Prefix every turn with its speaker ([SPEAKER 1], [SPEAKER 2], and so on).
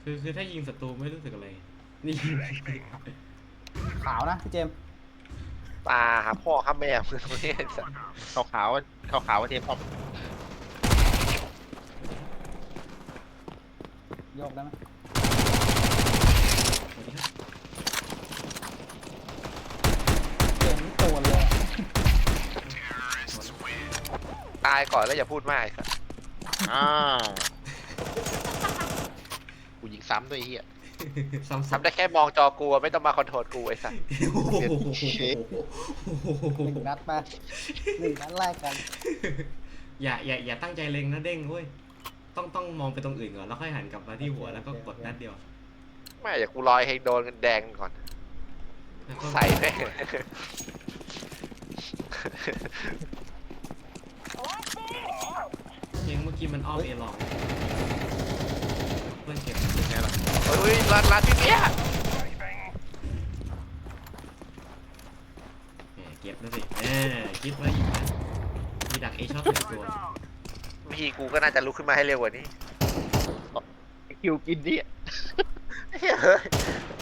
[SPEAKER 1] คือถ้ายิงศัตรูไม่รู้สึกอะไรนี่
[SPEAKER 2] ขาวนะพี่เจมส์
[SPEAKER 3] ตาหาพ่อหาแม่มึงตรงนี้ไอ้สัส
[SPEAKER 4] ขาวขาวขาวขาวๆเทมออฟ
[SPEAKER 2] โยกได้ไหมเจมส์นี่โตนเลยอะ
[SPEAKER 3] ตายก่อนแล้วอย่าพูดมากไอ้สัส
[SPEAKER 4] อ้าวกูยิงซ้ำด้วยไอ้เฮีย
[SPEAKER 1] ซ้ำ
[SPEAKER 3] ทำได้แค่มองจอกูอะไม่ต้องมาคอนโทรลกูไอ้สัส
[SPEAKER 1] โอ้โห
[SPEAKER 2] หนึ่งนัดไปหนึ่งนัดแรกกัน
[SPEAKER 1] อย่าตั้งใจเล็งนะเด้งเว้ยต้องมองไปตรงอื่นก่อนแล้วค่อยหันกลับมาที่หัวแล้วก็กดนัดเดียว
[SPEAKER 3] ไม่อยากกูรอยให้โดนกันแดงก่อน
[SPEAKER 1] แล้วก็
[SPEAKER 3] ใส่แม่ง
[SPEAKER 1] เพียงเมื่อกี้มันอ้อมเอลองเพื่อนเก็บ
[SPEAKER 4] เป็นไงล่ะ
[SPEAKER 3] เฮ้ยร้านพี่เบี้ย
[SPEAKER 1] แหมเก็บนะสิคิดไว้อยู่นะมีดักเอชอบหนึ่งตัว
[SPEAKER 3] พี่กูก็น่าจะลุกขึ้นมาให้เร็วกว่านี้
[SPEAKER 4] คิวกินดิ
[SPEAKER 3] เฮ้ย